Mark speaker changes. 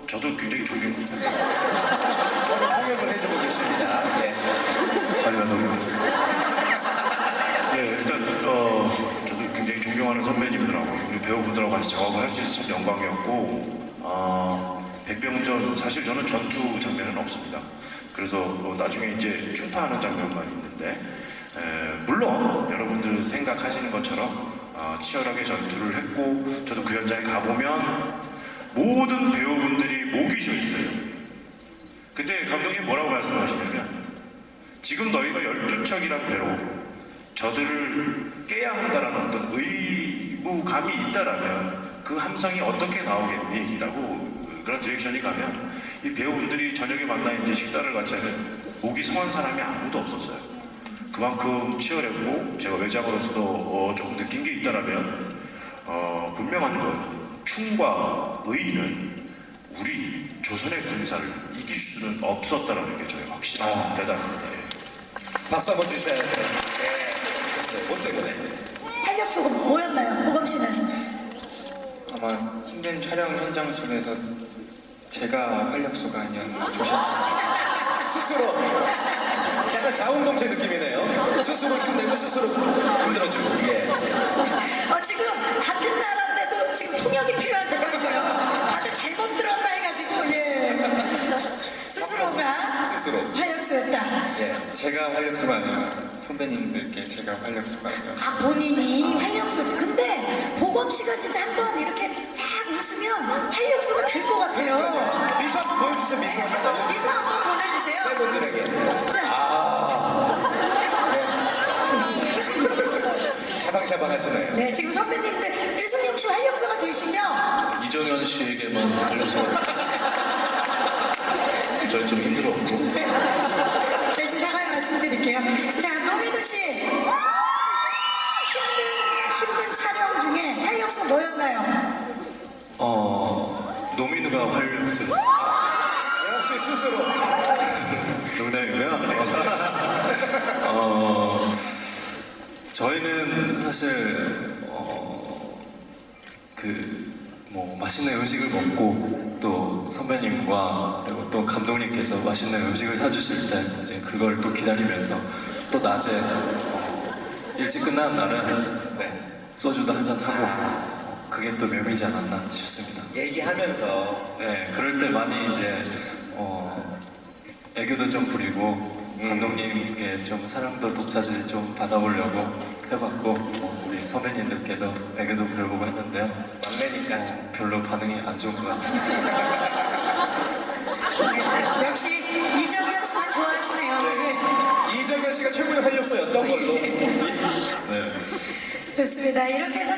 Speaker 1: 저도 굉장히 존경합니다.
Speaker 2: 서로 통역을 해주고 계십니다. 예.
Speaker 1: 아니요, 너무. 예, 일단 저도 굉장히 존경하는 선배님들하고 우리 배우분들하고 같이 작업을 할 수 있어서 영광이었고, 백병전 사실 저는 전투 장면은 없습니다. 그래서 나중에 이제 충파하는 장면만 있는데, 물론 여러분들 생각하시는 것처럼 치열하게 전투를 했고, 저도 그 현장에 가보면 모든 배우분들이 목이 쉬어 있어요. 그때 감독님 뭐라고 말씀하시냐면, 지금 너희가 12척이란 배로 저들을 깨야 한다는 어떤 의무감이 있다라면 그 함성이 어떻게 나오겠니? 라고 그런 디렉션이 가면 이 배우분들이 저녁에 만나 이제 식사를 같이 하면 목이 성한 사람이 아무도 없었어요. 그만큼 치열했고, 제가 외장으로서도 조금 느낀 게 있다라면 분명한 건 충과 의는 우리 조선의 군사를 이길 수는 없었다라는 게 저의 확실한 대답입니다.
Speaker 2: 박수 한번 주셔야 돼요. 예. 됐어요. 뭐 때문에?
Speaker 3: 활력소가 뭐였나요, 보검 씨는?
Speaker 4: 아마 힘든 촬영 현장 속에서 제가 활력소가 아니었나 조심스럽게.
Speaker 2: 스스로 약간 자웅동체 느낌이네요. 스스로 힘들고 스스로 힘들어지고. 예.
Speaker 3: 지금 같은 나라인데도 지금 통역이 필요한 상황이고요. 다들 잘못 들었나 해가지고, 예. 스스로가
Speaker 2: 스스로.
Speaker 3: 활력소였다.
Speaker 4: 예, 제가 활력소가 아니라 선배님들께 제가 활력소가 아니라.
Speaker 3: 본인이 활력소. 근데 보검 씨가 진짜 한번 이렇게 싹 웃으면 활력소가 될 것 같아요.
Speaker 2: 미소 한번 보여주세요. 미소 한번.
Speaker 3: 미소 한번 보내주세요.
Speaker 2: 팬분들에게.
Speaker 3: 자,
Speaker 2: 샤방샤방 하시네요.
Speaker 3: 네, 지금 선배님들 류승용 씨 활력소가 되시죠?
Speaker 1: 이정현 씨에게만 걸려서 저는 좀 힘들었고,
Speaker 3: 대신 사과의 말씀드릴게요. 자, 노민우 씨. 힘든 촬영 중에 활력소 뭐였나요?
Speaker 1: 노민우가 활력소였어요.
Speaker 2: 역시 스스로.
Speaker 1: 농담이고요. 저희는 사실 뭐 맛있는 음식을 먹고 또 선배님과 그리고 또 감독님께서 맛있는 음식을 사주실 때 이제 그걸 또 기다리면서 또 낮에 일찍 끝나는 날은 소주도 한잔 하고 그게 또 묘미지 않았나 싶습니다.
Speaker 2: 얘기하면서.
Speaker 1: 네, 그럴 때 많이 이제 애교도 좀 부리고 감독님께 좀 사랑도 독차지 좀 받아보려고 해봤고 우리 선배님들께도 애교도 부려보고 했는데요.
Speaker 2: 막내니까.
Speaker 1: 별로 반응이 안 좋은 것 같아요.
Speaker 3: 역시 이정현 씨는 좋아하시네요. 네.
Speaker 2: 이정현 씨가 최고의 활력소였던 걸로.
Speaker 1: 네.
Speaker 3: 좋습니다. 이렇게 해서